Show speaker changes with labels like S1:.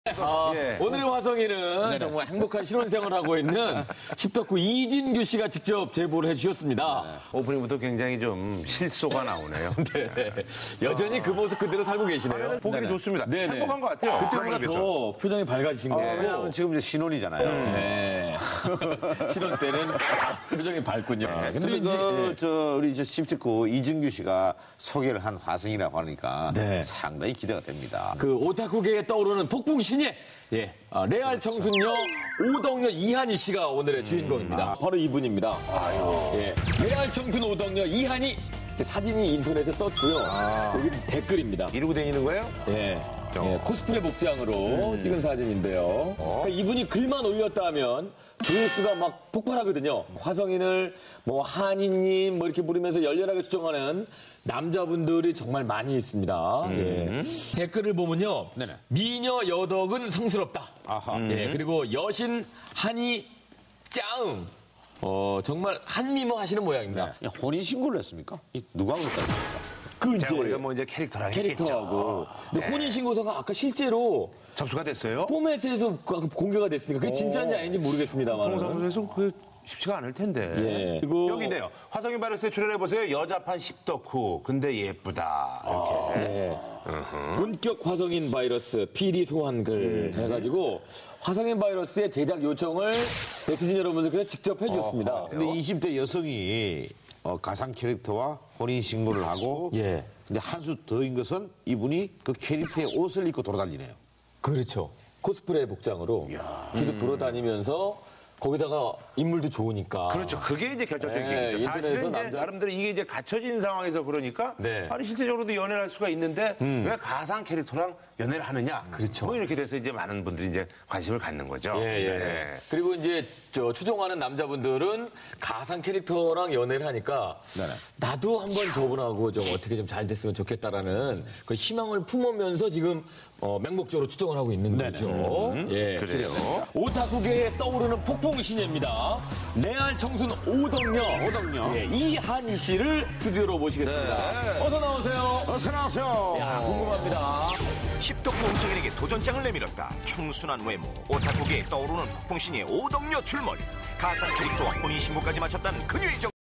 S1: 오늘의 화성이는 정말 행복한 신혼생활을 하고 있는 십덕후 이진규 씨가 직접 제보를 해주셨습니다.
S2: 오프닝부터 굉장히 좀 실소가 나오네요.
S1: 네. 여전히 그 모습 그대로 살고 계시네요.
S2: 보기는 좋습니다.
S1: 네네.
S2: 행복한 것 같아요.
S1: 그때보다 더 표정이 밝아지신 거고.
S3: 왜냐하면 지금 이제 신혼이잖아요.
S1: 네. 신혼 때는 다 표정이 밝군요.
S3: 근데 우리 십덕후 이진규 씨가 소개를 한 화성이라고 하니까
S1: 네.
S3: 상당히 기대가 됩니다.
S1: 그 오타쿠계에 떠오르는 폭풍신예, 레알 청순녀 오덕녀 이한희 씨가 오늘의 주인공입니다. 바로 이분입니다. 레알 청순 오덕녀 이한희 사진이 인터넷에 떴고요. 여기 댓글입니다.
S2: 이러고 다니는 거예요?
S1: 코스프레 복장으로 찍은 사진인데요. 그러니까 이분이 글만 올렸다면 조회수가 막 폭발하거든요. 화성인을 뭐 한이님 뭐 이렇게 부르면서 열렬하게 추정하는 남자분들이 정말 많이 있습니다. 댓글을 보면요.
S3: 네네.
S1: 미녀 여덕은 성스럽다.
S3: 아하.
S1: 그리고 여신 한이 짱. 정말 한미모 하시는 모양입니다.
S3: 네. 혼인신고를 했습니까? 누가 그랬다니까?
S1: 그
S2: 우리가 뭐 이제 캐릭터랑
S1: 캐릭터하고. 근데 혼인신고서가 아까 실제로
S2: 접수가 됐어요?
S1: 포맷에서 공개가 됐으니까 그게 진짜인지 아닌지 모르겠습니다만.
S2: 동사무소에서 그게 쉽지가 않을 텐데.
S1: 그리고
S2: 여기인데요. 화성인 바이러스에 출연해보세요. 여자판 십덕후. 근데 예쁘다. 이렇게.
S1: 본격 화성인 바이러스 PD 소환글 해가지고 화성인 바이러스의 제작 요청을 네티즌 여러분들께서 직접 해주셨습니다.
S3: 근데 20대 여성이 가상 캐릭터와 혼인신고를 하고 근데 한 수 더인 것은 이분이 그 캐릭터의 옷을 입고 돌아다니네요.
S1: 그렇죠. 코스프레 복장으로 계속 돌아다니면서 거기다가 인물도 좋으니까.
S2: 그렇죠. 그게 이제 결정적인 얘기죠. 사실은 이제 나름대로 이게 이제 갖춰진 상황에서 그러니까 아니 실제적으로도 연애를 할 수가 있는데 왜 가상 캐릭터랑 연애를 하느냐.
S1: 그렇죠.
S2: 뭐 이렇게 돼서 이제 많은 분들이 이제 관심을 갖는 거죠.
S1: 그리고 이제 추종하는 남자분들은 가상 캐릭터랑 연애를 하니까 나도 한번 저분하고 좀 어떻게 좀 잘 됐으면 좋겠다라는 그 희망을 품으면서 지금 맹목적으로 추종을 하고 있는 거죠.
S2: 그래요.
S1: 오타쿠계에 떠오르는 폭풍신예입니다. 레알 청순 오덕녀. 이한희 씨를 스튜디오로 모시겠습니다. 어서 나오세요.
S3: 어서 나오세요.
S1: 궁금합니다.
S4: 십덕후 홍성인에게 도전장을 내밀었다. 청순한 외모, 오타쿠계에 떠오르는 폭풍신의 오덕녀 출몰, 가상 캐릭터와 혼인신고까지 마쳤다는 그녀의 정